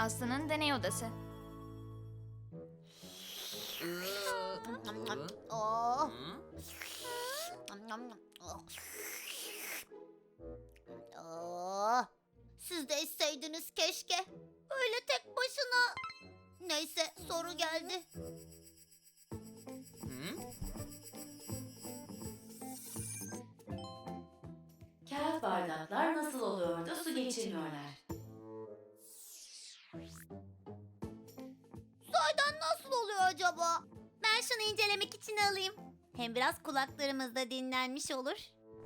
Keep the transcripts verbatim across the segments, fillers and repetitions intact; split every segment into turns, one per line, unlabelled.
Aslı'nın deney odası.
Oh. Oh. Siz de içseydiniz keşke. Öyle tek başına. Neyse, soru geldi.
Kağıt bardaklar nasıl oluyor da su geçirmiyorlar?
Sahiden nasıl oluyor acaba? Ben şunu incelemek için alayım. Hem biraz kulaklarımız da dinlenmiş olur.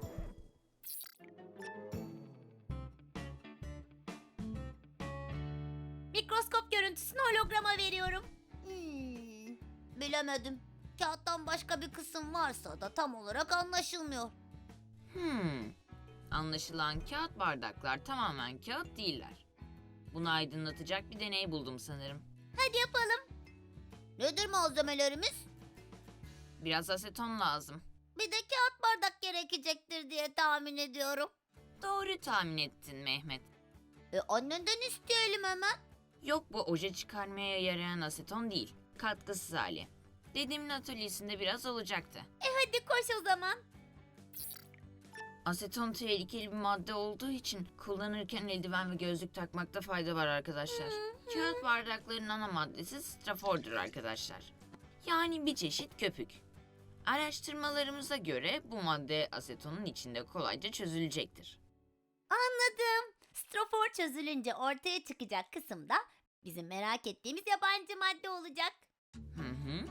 Mikroskop görüntüsünü holograma veriyorum. Hmm, bilemedim. Kağıttan başka bir kısım varsa da tam olarak anlaşılmıyor.
Hmm. Anlaşılan kağıt bardaklar tamamen kağıt değiller. Bunu aydınlatacak bir deney buldum sanırım.
Hadi yapalım. Nedir malzemelerimiz?
Biraz aseton lazım.
Bir de kağıt bardak gerekecektir diye tahmin ediyorum.
Doğru tahmin ettin Mehmet.
E annenden isteyelim hemen.
Yok, bu oje çıkarmaya yarayan aseton değil. Katkısız hali. Dedemin atölyesinde biraz olacaktı.
E hadi koş o zaman.
Aseton tehlikeli bir madde olduğu için kullanırken eldiven ve gözlük takmakta fayda var arkadaşlar. Kağıt bardakların ana maddesi strafordur arkadaşlar. Yani bir çeşit köpük. Araştırmalarımıza göre bu madde asetonun içinde kolayca çözülecektir.
Anladım. Strofor çözülünce ortaya çıkacak kısımda bizim merak ettiğimiz yabancı madde olacak.
Hı hı.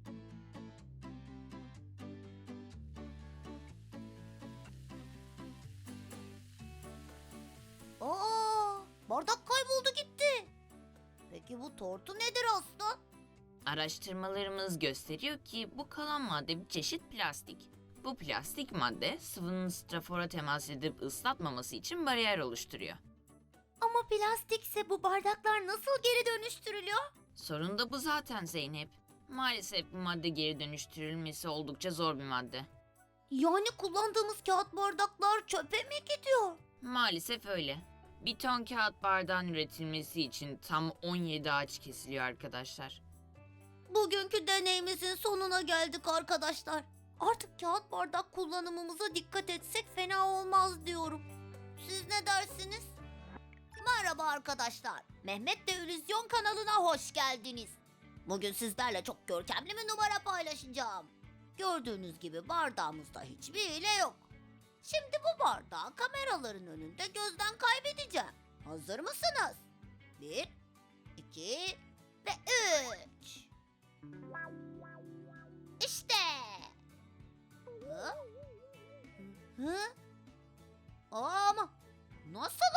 Aa, bardak kayboldu gitti. Peki bu tortu nedir aslan?
Araştırmalarımız gösteriyor ki bu kalan madde bir çeşit plastik. Bu plastik madde sıvının strafora temas edip ıslatmaması için bariyer oluşturuyor.
Ama plastikse bu bardaklar nasıl geri dönüştürülüyor?
Sorun da bu zaten Zeynep. Maalesef bu madde geri dönüştürülmesi oldukça zor bir madde.
Yani kullandığımız kağıt bardaklar çöpe mi gidiyor?
Maalesef öyle. Bir ton kağıt bardağın üretilmesi için tam on yedi ağaç kesiliyor arkadaşlar.
Bugünkü deneyimizin sonuna geldik arkadaşlar. Artık kağıt bardak kullanımımıza dikkat etsek fena olmaz diyorum. Siz ne dersiniz? Merhaba arkadaşlar. Mehmet de İllüzyon kanalına hoş geldiniz. Bugün sizlerle çok görkemli bir numara paylaşacağım. Gördüğünüz gibi bardağımızda hiçbir hile yok. Şimdi bu bardağı kameraların önünde gözden kaybedeceğim. Hazır mısınız? Bir, iki ve üç. İşte. Hı? Hı? Ama nasıl